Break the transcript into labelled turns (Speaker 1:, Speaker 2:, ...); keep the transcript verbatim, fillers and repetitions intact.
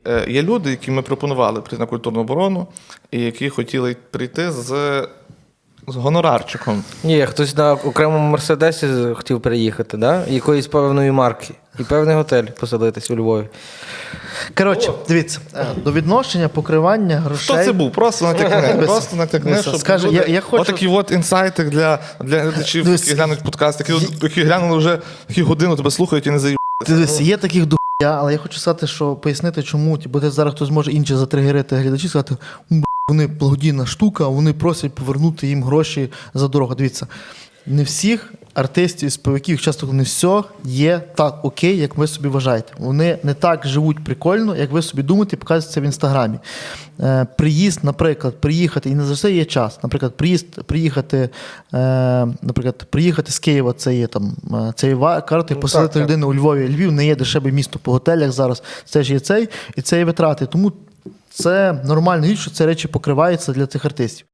Speaker 1: Е, Є люди, які ми пропонували прийти на культурну оборону, і які хотіли прийти з, з гонорарчиком.
Speaker 2: Ні, хтось на окремому Мерседесі хотів переїхати, да? Якоїсь певної марки. І певний готель поселитись у Львові.
Speaker 3: Коротше, дивіться, е, до відношення, покривання грошей.
Speaker 1: Хто це був? Просто натякни. Просто натякни,
Speaker 3: Дивися,
Speaker 1: щоб
Speaker 3: скаже,
Speaker 1: люди...
Speaker 3: я- я хочу-
Speaker 1: Отакі от інсайти для, для глядачів,
Speaker 3: Дивись,
Speaker 1: які глянуть подкаст, які, які глянули вже які годину тебе слухають і не заїб.
Speaker 3: Дивись, є таких до хуя, але я хочу сказати, що пояснити, чому, бо ти зараз хтось може інші затригерити глядачі, сказати, «М, б**, вони благодійна штука, вони просять повернути їм гроші за дорогу. Дивіться, не всіх артистів і співаків, часто не все є так окей, як ви собі вважаєте. Вони не так живуть прикольно, як ви собі думаєте, і показуєте це в Інстаграмі. Е, приїзд, наприклад, приїхати, і не завжди є час. Наприклад, приїзд, приїхати, е, наприклад, приїхати з Києва, це є там, е, це є ва- карта, і
Speaker 2: Ну,
Speaker 3: поселити
Speaker 2: так, так.
Speaker 3: людину у Львові. Львів не є дешеве місто по готелях зараз. Це ж є цей, і це є витрати. Тому це нормально, що ці речі покриваються для цих артистів.